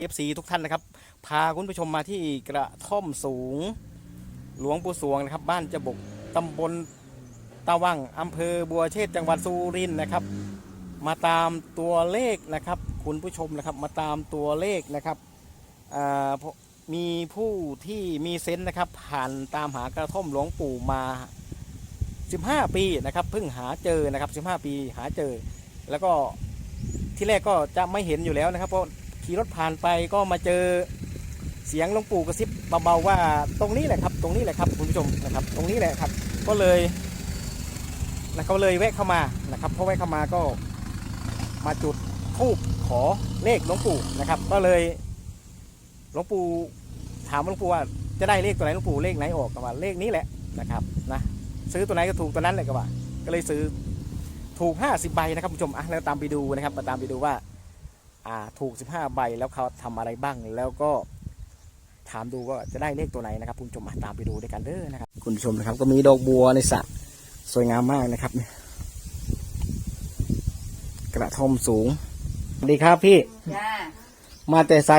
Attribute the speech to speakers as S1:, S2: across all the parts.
S1: FC ทุกท่านนะครับพาคุณผู้ชมมาที่กระท่อมสูงหลวงปู่สวงนะครับบ้านจะบกตำบลตะวังอำเภอบัวเชษจังหวัดสุรินทร์นะครับมาตามตัวเลขนะครับคุณผู้ชมนะครับมาตามตัวเลขนะครับมีผู้ที่มีเซนส์นะครับผ่านตามหากระท่อมหลวงปู่มา15 ปีนะครับเพิ่งหาเจอนะครับ15 ปีหาเจอแล้วก็ที่แรกก็จะไม่เห็นอยู่แล้วนะครับเพราะขี่รถผ่านไปก็มาเจอเสียงหลวงปู่กระซิบเบาๆว่าตรงนี้แหละครับตรงนี้แหละครับคุณผู้ชมนะครับตรงนี้แหละครับก็เลยเขาเลยแวะเข้ามานะครับพอแวะเข้ามาก็มาจุดธูปขอเลขหลวงปู่นะครับก็เลยหลวงปู่ถามหลวงปู่ว่าจะได้เลขตัวไหนหลวงปู่เลขไหนออกก็ว่าเลขนี้แหละนะครับนะซื้อตัวไหนก็ถูกตัวนั้นเลยก็ว่าก็เลยซื้อถูก50 ใบนะครับคุณผู้ชมแล้วตามไปดูนะครับมาตามไปดูว่าถูก15 ใบแล้วเขาทำอะไรบ้างแล้วก็ถามดูว่าจะได้เลขตัวไหนนะครับคุณผู้ชมตามไปดูด้วยกันเด้อนะครับคุณผู้ชมนะครับก็มีดอกบัวในสระสวยงามมากนะครับกระท่อมสูงสวัสดีครับพี่มาแต่ไซ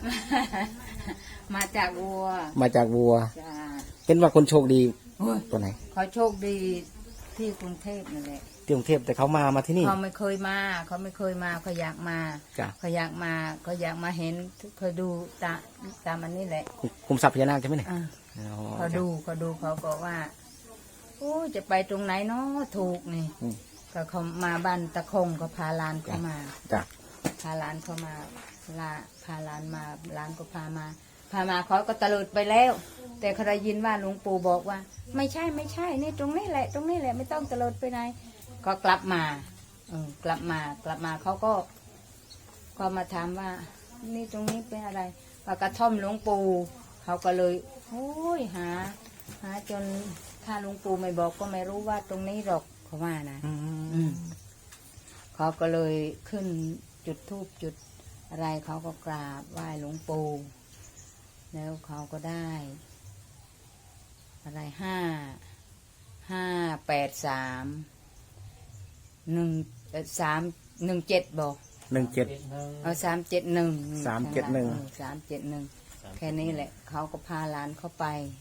S2: มาจากวัว
S1: เห็นว่าคนโชคดีตัวไหน
S2: เขาโชคดีที่กรุงเทพนั่นแหละ
S1: ที่กรุงเทพแต่เขามาที่นี่
S2: เขาไม่เคยมาเขาอยากมาเขาอยากมาเห็นเคยดูตามอันนี้แหละ
S1: คุมทรัพย์พญานาคใช่ไหมเนี่ย
S2: เขาดูเขาก็ว่าโอ้จะไปตรงไหนเนาะถูกนี่ก็เขามาบ้านตะคงก็พาหลานเขามาพาหลานเขามาพาหลานมาหลานก็พามาเขาก็ตะลุดไปแล้วแต่เขาได้ยินว่าหลวงปู่บอกว่าไม่ใช่นี่ตรงนี้แหละไม่ต้องตะลุดไปไหนก็กลับมากลับมาเขาก็มาถามว่านี่ตรงนี้เป็นอะไรว่ากระท่อมหลวงปู่เขาก็เลยโอ้ยหาจนถ้าหลวงปู่ไม่บอกก็ไม่รู้ว่าตรงนี้หรอกเขาว่านะเขาก็เลยขึ้นจุดธูปจุดอะไรเขาก็กราบไหว้หลวงปู่แล้วเขาก็ได้อะไร583 117บอก
S1: 17
S2: เอา371แค่นี้แหละเขาก็พาหลานเข้าไป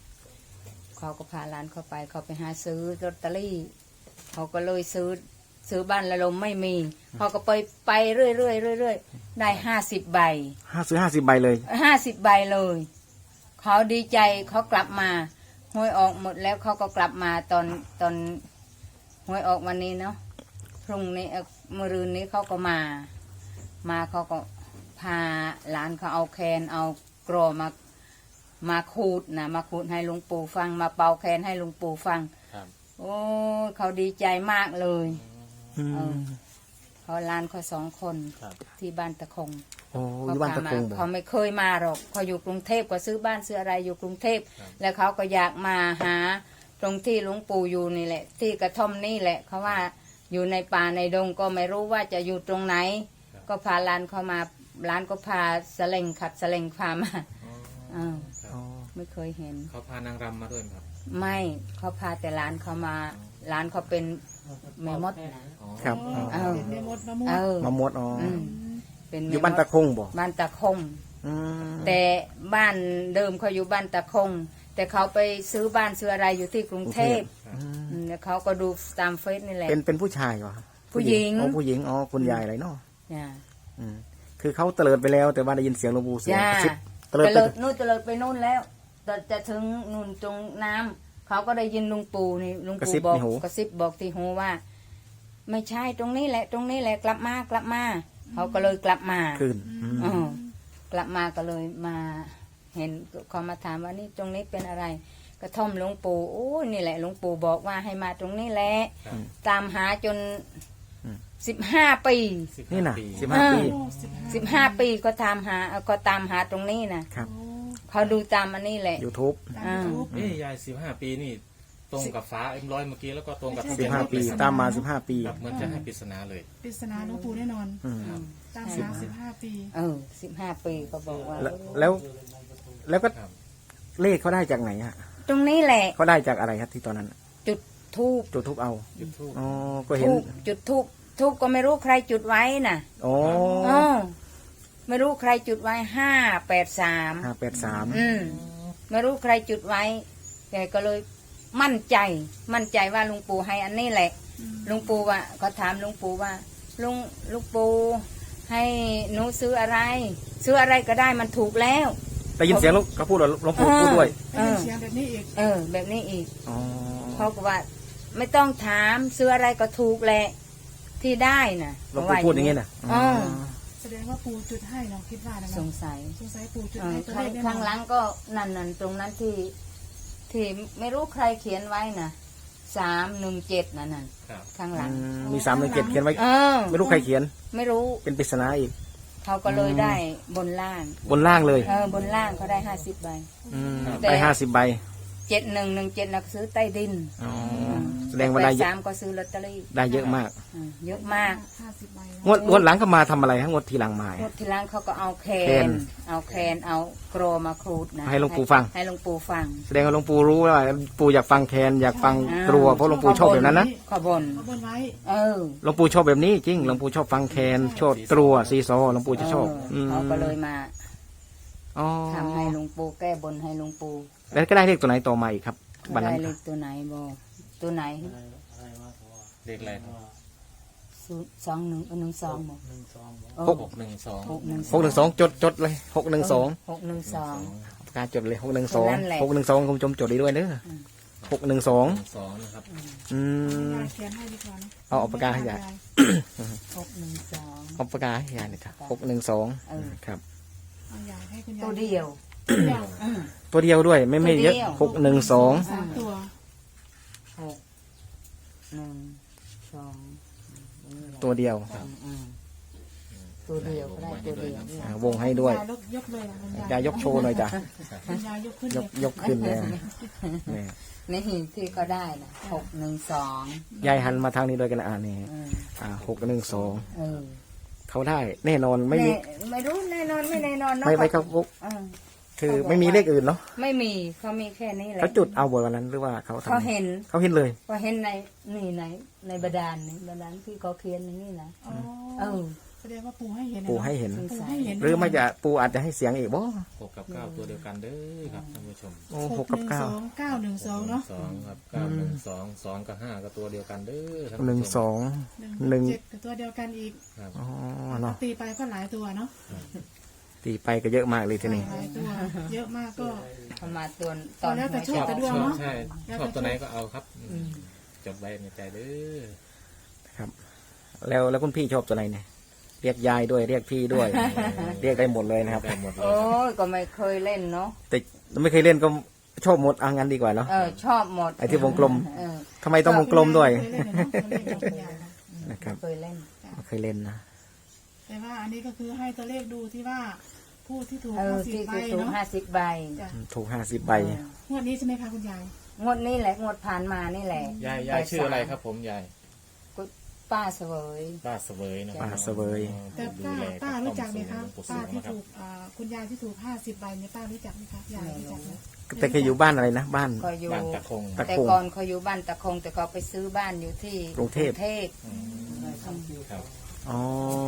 S2: เขาไปหาซื้อลอตเตอรี่เขาก็เลยซื้อบ้านละลมไม่มีเขาก็ไปเรื่อยได้50 ใบ
S1: 50 ใบเลย
S2: 50 ใบเลยเขาดีใจเขากลับมาหวยออกหมดแล้วเขาก็กลับมาตอนหวยออกวันนี้เนาะพรุ่งนี้มะรืนนี้เขาก็มาเขาก็พาหลานเขาเอาแคนเอากรอมาขูดให้หลวงปู่ฟังมาเป่าแคนให้หลวงปู่ฟังโอ้เขาดีใจมากเลยเขาหลานเขา2 คนที่บ้านตะคงเขาไม่เคยมาหรอกเขาอยู่กรุงเทพก็ซื้อบ้านซื้ออะไรอยู่กรุงเทพแล้วเขาก็อยากมาหาตรงที่หลวงปู่อยู่นี่แหละที่กระท่อมนี่แหละเขาว่าอยู่ในป่าในดงก็ไม่รู้ว่าจะอยู่ตรงไหนก็พาหลานเขามาหลานก็พาขับสเลงพามาไม่เคยเห็น
S3: เขาพานางรำมาด้วยครับ
S2: ไม่เขาพาแต่หลานเขามาหลานเขาเป็นแม่มดนะครับ
S1: แม่มดมามดเป็นอยู่บ้านตะคงบ่
S2: บ้านตะคงแต่บ้านเดิมเขาอยู่บ้านตะคงแต่เขาไปซื้อบ้านซื้ออะไรอยู่ที่กรุงเทพแล้วเขาก็ดูตามเฟซนี่แหละ
S1: เป็นผู้ชายวะ
S2: ผู้หญิง
S1: คุณยายอะไรเนาะคือเขาเตลิดไปแล้วแต่ว่าได้ยินเสียงหลวงปู่เสียง
S2: เตลิดไปนู่นแล้วจะถึงนู่นตรงน้ำเขาก็ได้ยินหลวงปู่นี่หลวงปู่บอกกระซิบบอกที่หูว่าไม่ใช่ตรงนี้แหละกลับมาเขาก็เลยกลับมา
S1: คืน
S2: กลับมาก็เลยมาเห็นเขามาถามว่านี่ตรงนี้เป็นอะไรกระท่อมหลวงปู่โอ้นี่แหละหลวงปู่บอกว่าให้มาตรงนี้แหละตามหาจน15 ปี
S1: นี่นะ
S2: 15 ปีก็ตามหาตรงนี้นะครับเขาดูตามอันนี้แหละ
S1: YouTube
S3: ยาย15 ปีนี่ตรงกับฟ้าM100เมื่อกี้แล้วก็ตรงกับ
S1: 15 ปีตามมา15 ปี
S3: เหมือนจะให้ปริศนาเลย
S4: ปริศนาหลวงปู่แน่นอนตามมา15 ปี
S2: 15 ปีเขาบอกว่า
S1: แล้วก็เลขเขาได้จากไหนฮะ
S2: ตรงนี้แหละ
S1: เขาได้จากอะไรครับที่ตอนนั้น
S2: จุดธูป
S1: เอาก็เห็น
S2: จุดธูปก็ไม่รู้ใครจุดไว้น่ะไม่รู้ใครจุดไว้583
S1: 583
S2: ไม่รู้ใครจุดไว้แกก็เลยมั่นใจว่าลุงปู่ให้อันนี้แหละลุงปู่ว่าก็ถามลุงปู่ว่าลุงปู่ให้หนูซื้ออะไรก็ได้มันถูกแล้ว
S1: ได้ยินเสียงเขาพูดว่าหลวงปู่พูดด้วย
S4: ได้ยินเสียงแบบนี้อีก
S2: แบบนี้อีก
S1: อ๋อ
S2: เขาก็ว่าไม่ต้องถามซื้ออะไรก็ถูกแหละที่ได้น่ะ
S1: หลวงปู่พูดอย่างนี้น่ะ
S4: แสดงว่าปู่จุดให้เนาะคิดว่านะ
S2: ส
S4: เนาะ
S2: งสัย
S4: สงสัยปู่จุดให้ตัวเลขแน่น
S2: ข้าง
S4: อน
S2: หลังก็นั่นตรงนั้นที่ไม่รู้ใครเขียนไว้น่ะ317นั่น
S3: ครับ
S2: ข้างหลัง
S1: มี317เขียนไว้ ไม่รู้ใครเขียน
S2: ไม่รู้
S1: เป็นปริศนาอีก
S2: เขาก็เลยได้บนล่าง
S1: บนล่างเลย
S2: บนล่างเขาได้50 ใบ
S1: ได้50 ใบ
S2: 7117นักซื้อใต้ดิน
S1: อ๋อแสดงว่าได้เยอะ
S2: 3ก็ซื้อลอตเตอรี่
S1: ได้เยอะมาก
S2: เยอะมาก
S4: 50 ใบ
S1: งวดหลังก็มาทำอะไรฮะงวดทีหลังมา
S2: หมดทีหลังเขาก็เอาแค
S1: แคน
S2: นเอาโกรมาครูดนะ
S1: ให้หลวงปู่ฟัง
S2: ให้หลวงปู่ฟัง
S1: แสดงว่าหลวงปู่รู้ว่าปู่อยากฟังแคนอยากฟังตรัวเพราะหลวงปู่ชอบแบบนั้นนะ
S2: ขอบน
S4: เขาบนไว้
S1: หลวงปู่ชอบแบบนี้จริงหลวงปู่ชอบฟังแคนชอบตรัวซีซอหลวงปู่จะชอบม
S2: เขาก็เลยมา
S1: อ๋อ
S2: ทำให้หลวงปู่แก้บนให้หลวงปู่
S1: แล้วก็ได้เลขตัวไหนต่อมาอีกครับวันนั้
S2: ได้
S1: น
S2: เลขตัวไหนบอกตัวไหน
S3: เลขอะไรครับ
S2: 2112บอก
S1: หก
S3: 612
S1: 612จดเลย612
S2: 612
S1: การจดเลย
S2: นั่นแหละ
S1: 612คุณผู้ชมจดดีด้วยเนอะ612
S3: 2นะครับ
S4: ยายเขียนให้ดีกว่านะ
S1: เอาปากกาให้ยาย
S2: 612
S1: เอาปากกาให้ยายหน่อยครับ612ครับ
S4: เอายายให้คุณยาย
S2: ตัวเดียว
S4: เดียว
S1: ตัวเดียวด้วยไม่เยอะ
S2: ตัวเดียว
S1: 612
S4: 3 ตัว
S2: 612
S1: ตัวเดียว
S2: ตัวเดียวก็ได้ตัวเดียว
S1: วงให้ด้วย
S4: ยายยกเลยอ่ะคุณ
S1: ยายยกโชว์หน่อยจ้ะ
S4: คุณยายยกขึ้น
S1: ย
S4: เล
S1: ก
S4: ย
S1: ยกขึ้นเลยนี่
S2: นี่ที่ก็ได้นะ612
S1: ยายหันมาทางนี้ด้วยกันนี่612เขาได้แน่นอนไม่มี
S2: ไม่รู้แน่นอนไม่แน่นอนเนาะ
S1: ไม่ครับฟุก
S2: เออ
S1: คือไม่มีเลขอื่นเนาะ
S2: ไม่มีเขามีแค่นี้แหละ
S1: เขาจุดเอาบนวันนั้นหรือว่าเขาทำ
S2: เขาเห็น
S1: เขาเห็นเลย
S2: ว่าเห็นในบาดาลนี่บาดาลที่เขาเขียนอย่างนี้นะ
S4: อ๋อ
S2: เออ
S4: แสดงว่าปู่ให้เห็น
S1: ปู่ให้เห็น
S2: สง
S4: ปู่
S2: สัย
S4: ให้เห็น
S1: หรือไม่จะปู่อาจจะให้เสียงอีกบ่
S3: 6กับ9ตัวเดียวกันเด้อครับท่านผู้ชม
S1: โอ้หกกับเก้า
S4: 912เนาะ
S3: 2ครับ912 2กับ5ก็ตัวเดียวกันเด้อท่าน
S1: หนึ่ง
S3: ผู้ช
S1: ส
S3: ม
S1: องหนึ่ง
S4: 7กับตัวเดียวกันอีก
S3: ครับ
S1: อ๋อเนาะ
S4: ตีไปก็หลายตัวเนาะ
S1: ตีไปก็เยอะมากเลยทีนี้
S4: หลายตัวเยอะมากก็
S2: เขามาตอน
S4: เอาแล้วแต่โชค
S2: หัว
S4: แต่ดวง
S3: ชอบ
S4: เนาะ
S3: ใช่ชอบตัวไหนก็เอาครับจดไว้ในใจเด้อ
S1: ครับ แล้วคุณพี่ชอบตัวไหนเนี่ยเรียกยายด้วยเรียกพี่ด้วย เรียกได้หมดเลยนะครับ
S3: ได้หมดเล
S2: โอ้
S3: ย
S2: ยก็ไม่เคยเล่นเนาะ
S1: แต่ไม่เคยเล่นก็ชอบหมดเอางั้นดีกว่าเนาะ
S2: ชอบหมด
S1: ไอ้ที่วงกลม
S2: เออ
S1: ทำไมต้องวงกลมด้วย
S4: เคเล่นเนาะเคยเล่นกับคุณยายนะ
S1: นะครับ
S2: เคยเล่น
S1: ไม่เคยเล่นนะ
S4: แต่ว่าอันนี้ก็คือให้ตัวเลขดูที่ว่าผู้ที่ถูก
S2: ที่
S4: 50ใบ
S2: ถูก
S4: เนาะ
S2: 50 ใบ
S4: จ้ะ
S1: ถูก50 ใบ
S4: งวดนี้ใช่ไหมคะคุณยาย
S2: งวดนี้แหละงวดผ่านมานี่แหละ
S3: ยายชื่ออะไรครับผมยาย
S2: ป้าเสวย
S3: ป้าเสวยนะ
S1: ป้าเสวย
S4: แต่ป้ารู้จักไหมคะป้าที่ถูกคุณยายที่ถูก50ใบเนี่ยป้ารู้จักไหมคะยายรู้จักไหม
S1: แต่เคยอยู่บ้านอะไรนะบ้าน
S2: ก็อยู่
S3: บ้านตะคง
S1: ตะ
S2: แต่
S1: คง
S2: ก่อนเขาอยู่บ้านตะคงแต่เขาไปซื้อบ้านอยู่ที่
S1: กรุงเทพ
S3: ครับ
S1: อ๋อ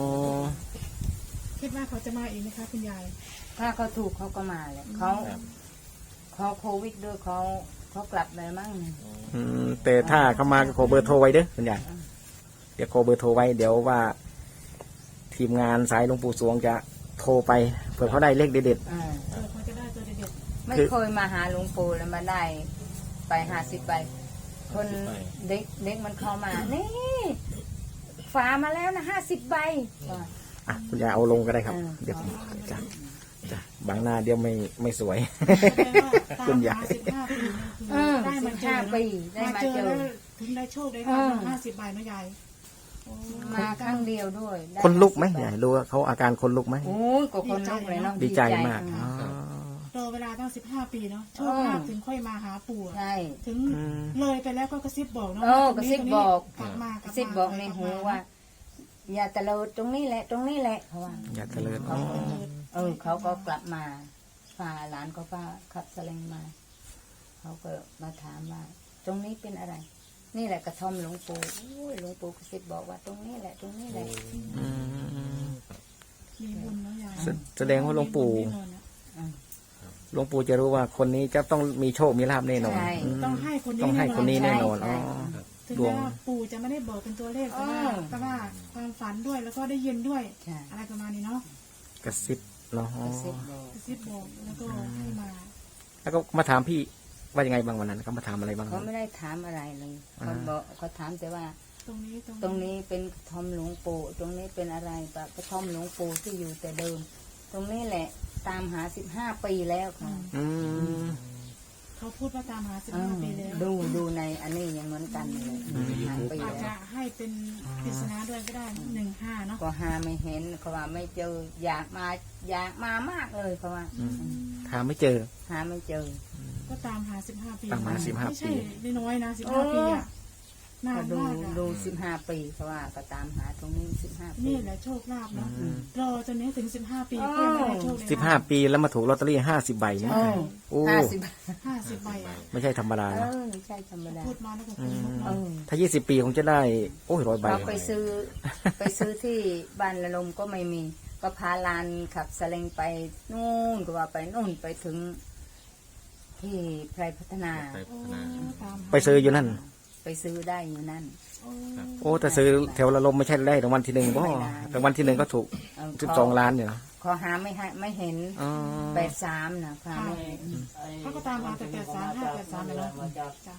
S4: คิดว่าเขาจะมาอีกไหมคะคุณยาย
S2: ถ้าเขาถูกเขาก็มาแหละเขาโควิดด้วยเขากลับไปมั่ง
S1: แต่ถ้าเขามาก็ขอเบอร์โทรไว้เด้อคุณยายเดี๋ยวขอเบอร์โทรไว้เดี๋ยวว่า ทีมงานสายหลวงปู่สวงจะโทรไปเผื่อเขาได้เลขเด็ด
S4: เขาจะได้ตัวเด็ด
S2: ไม่เคยมาหาหลวงปู่แล้วมาได้ไป50 ใบคนเด็กมันเข้ามานี่ฝามาแล้วนะ50 ใบ
S1: ๆอ่ะคุณยายเอาลงก็ได้ครับ เดี๋ยวผมจะบางหน้าเดี๋ยวไม่สวย
S4: ๆแสดงว่าตา
S1: คุ
S4: ม
S1: ณยาย
S4: หา15 ปีเนี่ยคือได้มาเจอ
S2: 15 ปีได้
S4: มา
S2: มา
S4: เจอ
S2: เจอ
S4: แล้วถึงได้โชคได้ลาภ50ใบนะยาย
S2: มาครั้งเดียวด้วยได้
S1: คนลุกไหมยายรู้ว่าเขาอาการคนลุกไหม
S2: โอ้ยก็คนลุกเลยเนาะ
S1: ดีใจมาก
S2: อื
S1: อ๋อ
S4: รอเวลาตั้ง15 ปีเนาะโชคลาภถึงค่อยมาหาปู่อะ
S2: ใช่
S4: ถึงเลยไปแล้วก็กระซิบบอกเนาะ
S2: กระซิบบอก
S4: กลับมาก
S2: ระซิบบอกในหูว่า อย่าตะเลิดตรงนี้แหละตรงนี้แหละเขาว่า
S1: อยากเจริญอ๋อ
S2: เขาก็กลับมาพาหลานก็พาขับสเลงมาเขาก็มาถามว่า ตรงนี้เป็นอะไร นี่แหละกระท่อมหลวงปู่โอ้ยหลวงปู่กระซิบบอกว่าตรงนี้แหละตรงนี้แหละ
S1: อืม
S4: มีบุญเนาะยาย
S1: แสดงว่าหลวงปู่
S4: แน่นอนนะ
S1: หลวงปู่จะรู้ว่าคนนี้จะต้องมีโชคมีลาภแน่นอน
S2: ใช่
S1: อืม
S4: ต้องให้คนนี้
S1: ต้องให้คนนี้แน่นอน
S2: ใช่
S1: อ๋อ
S4: ถึง
S1: ดว
S4: แม้
S1: ง
S4: ว่าปู่จะไม่ได้บอกเป็นตัวเลขแต่ว่า
S2: อืม
S4: แต่ว่าความฝันด้วยแล้วก็ได้ยินด้วย
S2: ใช่
S4: อะไรประมาณนี้เนาะ
S1: กระซิบเนาะอ๋อก
S2: ระซิบบอก
S4: กระซิบบอกแล้วก็ให้มา
S1: แล้วก็มาถามพี่ว่ายังไงบ้างวันนั้นเขามาถามอะไรบ้าง
S2: เขาไม่ได้ถามอะไรเลยเขาบอกเขาถามแต่ว่า
S4: ตรงนี้
S2: ตรงนี้เป็นกระท่อมหลวงปู่ตรงนี้เป็นอะไรปะกระท่อมหลวงปู่ที่อยู่แต่เดิม ตรงนี้แหละตามหา15 ปีแล้วค่ะ
S1: อืม
S4: เขาพูดว่าตามหาสิบ
S2: อ้า
S4: ห้าว ปีแล้ว
S2: ดูในอันนี้ยังเหมือนกันเลย15 ปี
S4: อาจ
S2: แล้
S4: จะ
S2: ว
S4: ให้เป็นปริศนาด้วยก็ได้15เนาะ
S2: ก็หาไม่เห็นเขาว่าไม่เจออยากมามากเลยเขาว่า
S1: ถามไม่เจอ
S2: หาไม่เจอ
S4: ก็ตามหา15 ปี
S1: ตามหา15
S4: ไม่ใช่
S1: ปี
S4: น้อยๆนะ15 ปีอะนา
S2: ก็
S4: น
S2: ดู
S4: มากอะ
S2: ดู15 ปีเขาว่าก็ตามหาตรงนี้15 ปี
S4: นี่แหละโชคลาภเนาะรอจนนี้ถึง15 ปี
S2: อ๋อ
S4: ก็ยังไม่ได้โชคเลยนะ
S1: 15 ปีแล้วมาถูกลอตเตอรี่50 ใบเนี่ย
S2: โอ้
S1: โอ้
S2: 50
S4: 50 ใบอะ
S1: ไม่ใช่ธรรมดา
S2: เอ
S1: นะ
S2: อไม่ใช่ธรรมดา
S4: พูดมาแล้วก็คนลุก
S2: เอ
S4: เนาะ
S2: อ
S1: ถ้า 20 ปีคงจะได้ โอ้ย100 ใบ
S2: เราไปซื้อที่บ้านละลมก็ไม่มี ก็พาลานขับสเลงไปนู่นก็ว่าไปนู่นไปถึง ที่ไพรพัฒนา
S3: ไป
S4: โอ้
S3: พัฒนา
S4: ตามหา
S1: ไปซื้ออยู่นั่น
S2: ไปซื้อได้อยู่นั่น
S4: โอ้
S1: โอ้แต่ซื้อแถวละลมไม่ใช่ได้รางวัลที่ 1บ่
S2: ไม่ได้
S1: รางวัลที่ 1ก็ถูก 12 ล้านเนี่ยนะ
S2: ขอหาไม่เห็น
S1: อ๋อ
S2: 83นะค่ะไม่เห็น
S4: เขาก็ตามมาแต่83 583เลยเนาะจ้ะ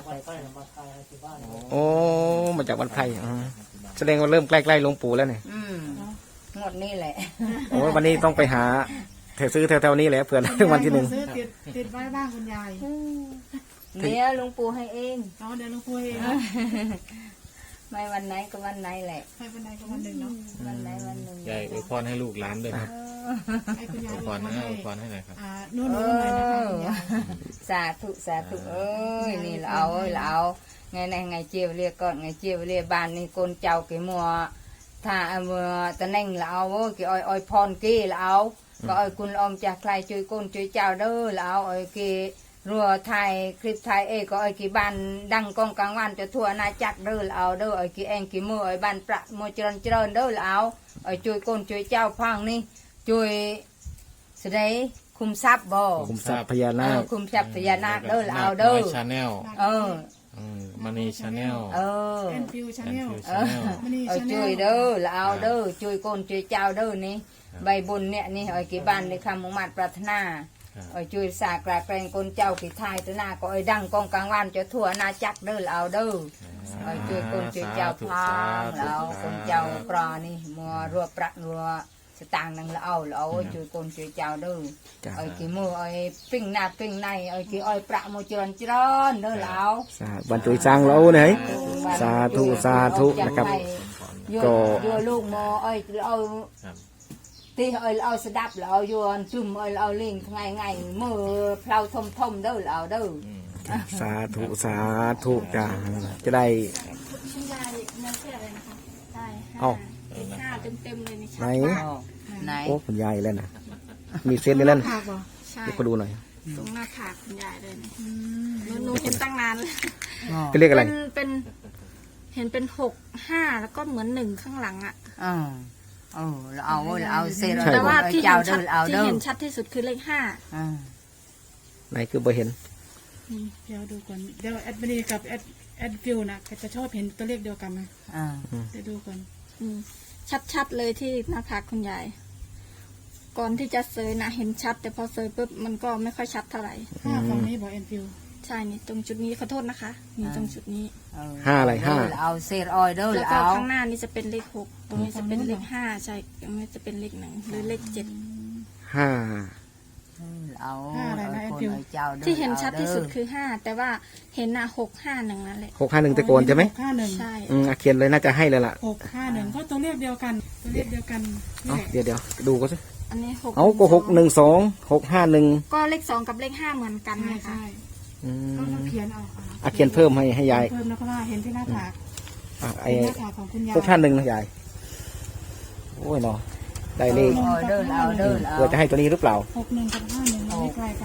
S2: 583
S1: โอ้มาจากวันไพรอ๋อแสดงว่าเริ่มใกล้ๆหลวงปู่แล้วเนี่ย
S2: งวดนี้แหละ
S1: โอ้ยวันนี้ต้องไปหาซื้อแถวๆนี้แหละเผื่อได้รางวัลที่ 1
S4: ซื้อติดไว้บ้างคุณยาย
S2: เนี่ยหลวงปู่ให้เอง
S4: เนาะเดี๋ยวหลุงพูดเอง
S2: ไม่วันไหนก็วันไหนแหละ
S4: ให้วันใดก็วันหนึ่งเนาะ
S2: วันไหนวันหนึ่ง
S3: ยายอวยพรให้ลูกหลานด้วยครับ
S4: ให้คุณยา
S3: อย วยพรให้อวยพรให้หน่อยครับ
S4: นู่นๆหน่อยนะคะคุณยาย
S2: สาธุเอ้ยนี่เราเอาไงในไงเจียวเรียกก่อนไงเจียวเรียกบ้านนี่คนเจ้ากี่มัวถ้ามัวตะเน่งเราเอากี่อ้อยพรกี่เราเอาก็อ้อยคุณอมจากใครช่วยคนช่วยเจ้าเด้อเราเอาอ้อยกี่รัวไทยคลิปไทยก็อ้อยกี่บ้านดังกองกลางวันจะทั่วนาจักเด้อเราเอาเด้ออ้อยกี่เองกี่มืออ้อยบ้านประมัวเจริญเด้อเราเอาอ้อยช่วยคนช่วยเจ้าพังนี่ช่วยแสดงคุมทรัพย์บ่
S1: คุมทรัพย์พญานาค
S2: คุมทรัพย์พญานาคเด้อเอาเด้อ
S3: ชาแนล
S2: เออ
S3: มณีชาแนล
S2: เออ
S4: แอนฟิวชาแนล
S3: ชาแนล
S4: มันนี่
S2: เอา
S4: ชาแน
S2: ช่วย
S4: ล
S2: เด้อเอาเด้อช่วยคนช่วยเจ้าเด้อนี่ใบบุญเนี่ยนี่เอากี่บ้านในคำมุ่งมั่นปรารถนาเอาช่วยสากราแกรงคนเจ้ากี่ทายตัวหน้าก็เอาดังกองกลางวันจะทั่วนาจักเด้อเอาเด้อเอาช่วยคนช่วยเจ้าพางเอาคนเจ้าปลานี่มัวรัวประรัวสตางค์นั่งเอาช่วยคนช่วยเจ้าเด้อ
S1: จ้ะ
S2: เอากี่มือเอาปิ้งหน้าปิ้งในเอากี่อ้อยประโมจรเด้อเอา
S1: สาธุบรรจุสร้างเราเนี่ยสาธุนะครับ ก็
S2: โยลูกโมเอ้ยเอา
S3: ครับ
S2: ตีเอ้ยเอาสดับเอาโยนจุ่มเอ้ยเอาลิงไงมือเพลาทมเด้อเอาเด้อ
S1: สาธุจ้าจะได้
S5: คุณยายเนื้อเชื่อเลยนะคะได้
S1: เอ้า
S5: ห้าเต็มเลยนี่
S1: ไหน
S2: ไหน
S1: โอ้คุณยายแล้วนะมีเส้นนี่แล้วนะ
S4: ผักเหรอ
S5: ใช่
S1: เดี๋ยวก็ดูหน่อย
S5: ตรงหน้าผากคุณยายเลยนี่หนูเห็นตั้งนานเลย
S1: เป็นเลขอะไร
S5: เป็นเห็นเป็น6 5แล้วก็เหมือน1ข้างหลังอ่ะ
S2: เอาเสร็จ
S5: แต่ว่าที่
S2: เจ้า
S5: เห็นชั
S2: เด้
S5: ด
S2: อเอา
S5: ที่
S2: เด้อ
S5: เห็นชัดที่สุดคือเลข5
S1: ไหนคือบ่เห็น
S4: เดี๋ยวดูก่อนเดี๋ยวแอดมินีกับแอดฟิวนะจะชอบเห็นตัวเลขเดียวกันนะเดี๋ยวดูก่อน
S5: ชัดเลยที่หน้าผากคุณยาย ก่อนที่จะเซยนะเห็นชัด แต่พอเซยปุ๊บมันก็ไม่ค่อยชัดเท่าไหร่
S4: 5ฝั่งนี้บอกแอนฟิว
S5: ใช่นี่ตรงจุดนี้ขอโทษนะคะนี่ตรงจุดนี้
S1: ห้าอะไรห้า
S2: เอาเสร็จอ้อยเด้อ
S5: แล้วก็
S2: เอา
S5: ข้างหน้านี่จะเป็นเลข6ตรงนี้จะเป็นเลข5ใช่ตรงนี้จะเป็นเลข1หรือเลข7
S1: ห้า
S2: เอาคนเจ้าเด้อ
S5: ที่เห็นชัดที่สุดคือ5แต่ว่าเห็น651นั่นแหละ
S1: 651แต่โกนใช่ไหม
S4: 651
S5: ใช่
S1: เขียนเลยน่าจะให้เลยล่ะ
S4: 651ก็ตัวเลขเดียวกันตัวเลขเดียวกันนี่
S1: เอา
S4: แหละ
S1: เดี๋ยวดูก็สิ
S5: อันนี้6
S1: เอาก็612
S5: ก็เลข2กับเลข5เหมือนกัน
S4: ใช่
S5: นะคะ
S4: ใช่
S1: 651
S4: ก็ต้องเขียนเอา
S1: เขียนเพิ่มให้ยาย
S4: เพิ่มแล้วก็ว่าเห็นที่หน้าผาก
S1: ไอ้
S4: หน้าผากของคุณยาย
S1: 651นะยายโอ้ยเนาะได้เลข
S2: เด้อเอาเด้อเอา
S1: เพื่อจะให้ตัวนี้หรือเปล่า
S4: 61กับ51มันไม่ไกลกัน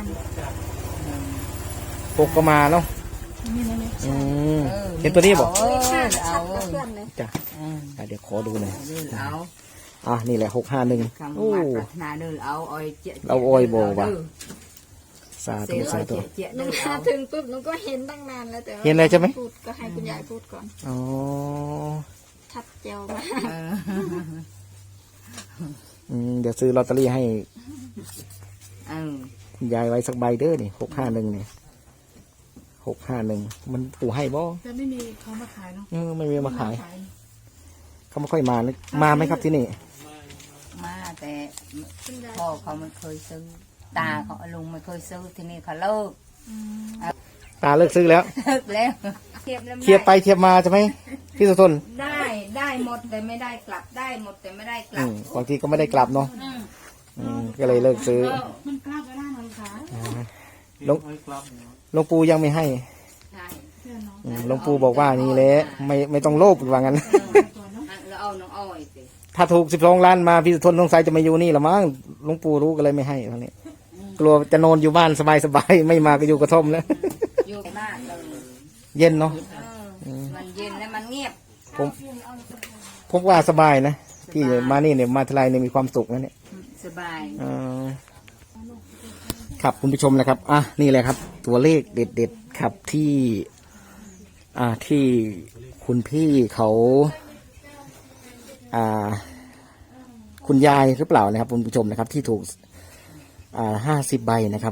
S1: 6ก็มาเนาะ
S4: นี่นะเนี่ย
S1: เห็นตัวนี้บอก
S5: เลข5ชัดกว่าเพื่อนเลย
S1: จ้ะเดี๋ยวขอดูหน่อย
S2: เอา
S1: นี่แหละ651
S2: คำ
S1: โอ้
S2: ว่าปรารถนาเดินเอาอ้อยเจ๊
S1: เอาอ้อยโบว่ะ สา
S2: เสี
S1: ธุ
S2: ย
S1: สาธุ
S2: เจ๊
S5: หนู
S2: เดิน
S5: มา
S2: เอา
S5: ถึงปุ๊บหนูก็เห็นตั้งนานแล้วแต่ว่า
S1: เห็นเลยใช่ไหม
S5: พูดก็ให้คุณยายพูดก่อน
S1: อ๋อ
S5: ชัดเจวมาก
S2: เออ
S1: เดี๋ยวซื้อลอตเตอรี่ให้
S2: เออ
S1: คุณยายไว้สักใบเด้อนี่651เนี่ย651มันปู่ให้บ่
S4: จะไม่มีเขามาขายเนาะ
S1: ไม่มีมาขายเขาไม่ค่อยมาเลยมาไหมครับที่นี่
S2: มาแต่
S5: คุณยาย
S2: พ่อเขาไม่เคยซื้อตาเขาลุงไม่เคยซื้อที่นี่เขาเลิก
S1: ตาเลิกซื้อแล้ว
S2: เลิกแล้วเทียบแล้ว
S1: เทียบไปเทียบมาใช่ไหมพี่สุทน
S2: ได้หมดแต่ไม่ได้กลับได้หมดแต่ไม่ได้กลับ
S1: บางทีก็ไม่ได้กลับเนาะก็เลยเลิกซื้อ
S4: มันกล้าไปล่ามันขา
S1: หลวงหลวงปู่ยังไม่ให้
S2: ใช่
S4: เพื่อนน้อง
S1: หลวงปู่บอกว่านี่แหละไม่ต้องโลภว่างั้น
S4: ก่อนเนาะ
S2: แล้วเอาน้องอ้อยสิ
S1: ถ้าถูก12 ล้านมาพี่สุทนสงสัยจะมาอยู่นี่ละมั้งหลวงปู่รู้ก็เลยไม่ให้ตอนนี้กลัวจะนอนอยู่บ้านสบายๆไม่มาก็อยู่กระท่อมแล้ว
S2: อยู่มากเลย
S1: เย็นเนาะ
S2: มันเย็นและมันเงียบ
S1: ผมว่าสบายนะพี่มานี่เนี่ยมาทีไรเนี่ยมีความสุขนะเนี่ย
S2: สบาย
S1: ครับคุณผู้ชมนะครับนี่แหละครับ ตัวเลขเด็ดๆครับที่คุณพี่เขาคุณยายหรือเปล่านะครับคุณผู้ชมนะครับ ที่ถูก50 ใบนะครับ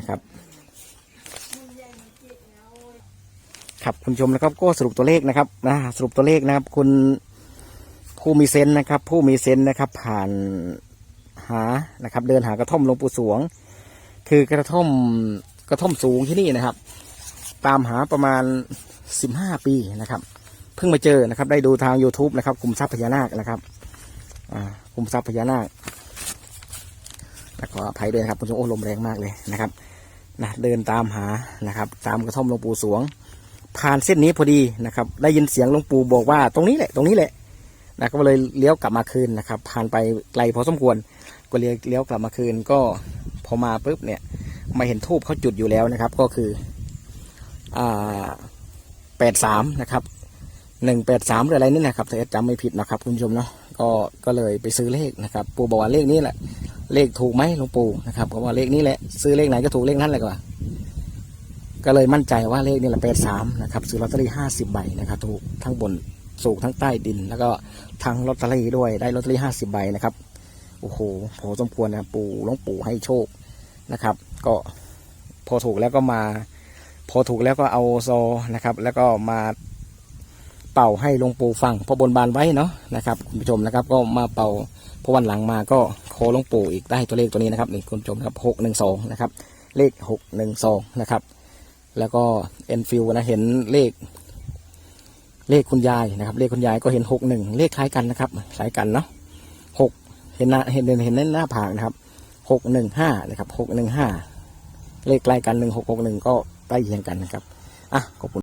S1: ครับคุณผู้ชมนะครับก็สรุปตัวเลขนะครับสรุปตัวเลขนะครับคุณผู้มีเซนส์นะครับผู้มีเซนส์นะครับผ่านหานะครับเดินหากระท่อมหลวงปู่สวงคือกระท่อมสูงที่นี่นะครับตามหาประมาณ15 ปีนะครับเพิ่งมาเจอนะครับได้ดูทาง YouTube นะครับคุมทรัพย์พญานาคนะครับคุมทรัพย์พญานาคแล้วก็อภัยด้วยนะครับคุณผู้ชมลมแรงมากเลยนะครับเดินตามหานะครับตามกระท่อมหลวงปู่สวงผ่านเส้นนี้พอดีนะครับได้ยินเสียงหลวงปู่บอกว่าตรงนี้แหละนะก็เลยเลี้ยวกลับมาคืนนะครับผ่านไปไกลพอสมควรก็เลี้ยวกลับมาคืนก็พอมาปุ๊บเนี่ยมาเห็นธูปเขาจุดอยู่แล้วนะครับก็คือ83นะครับ183หรืออะไรนี่นะครับถ้าจำไม่ผิดนะครับคุณผู้ชมเนาะก็เลยไปซื้อเลขนะครับปู่บอกว่าเลขนี้แหละเลขถูกไหมหลวงปู่นะครับเพราะว่าเลขนี้แหละซื้อเลขไหนก็ถูกเลขนั้นเลยก็เลยมั่นใจว่าเลขนี้แหละ83นะครับซื้อลอตเตอรี่50 ใบนะครับถูกทั้งบนสูงทั้งใต้ดินแล้วก็ทั้งลอตเตอรี่ด้วยได้ลอตเตอรี่50 ใบนะครับโอ้โหพอสมควรนะหลวงปู่ให้โชคนะครับก็พอถูกแล้วก็เอาโซนะครับแล้วก็มาเป่าให้หลวงปู่ฟังพอบนบานไว้เนาะนะครับคุณผู้ชมนะครับก็มาเป่าพอวันหลังมาก็ขอหลวงปู่อีกได้ตัวเลขตัวนี้นะครับนี่คุณผู้ชมครับ612นะครับเลข612นะครับแล้วก็เอ็นฟิวนะเห็นเลขคุณยายนะครับเลขคุณยายก็เห็น61เลขคล้ายกันนะครับคล้ายกันเนาะ6เห็นหน้าผากนะครับ615นะครับ615เลขใกล้กัน1661ก็ใกล้เคียงกันนะครับขอบคุณ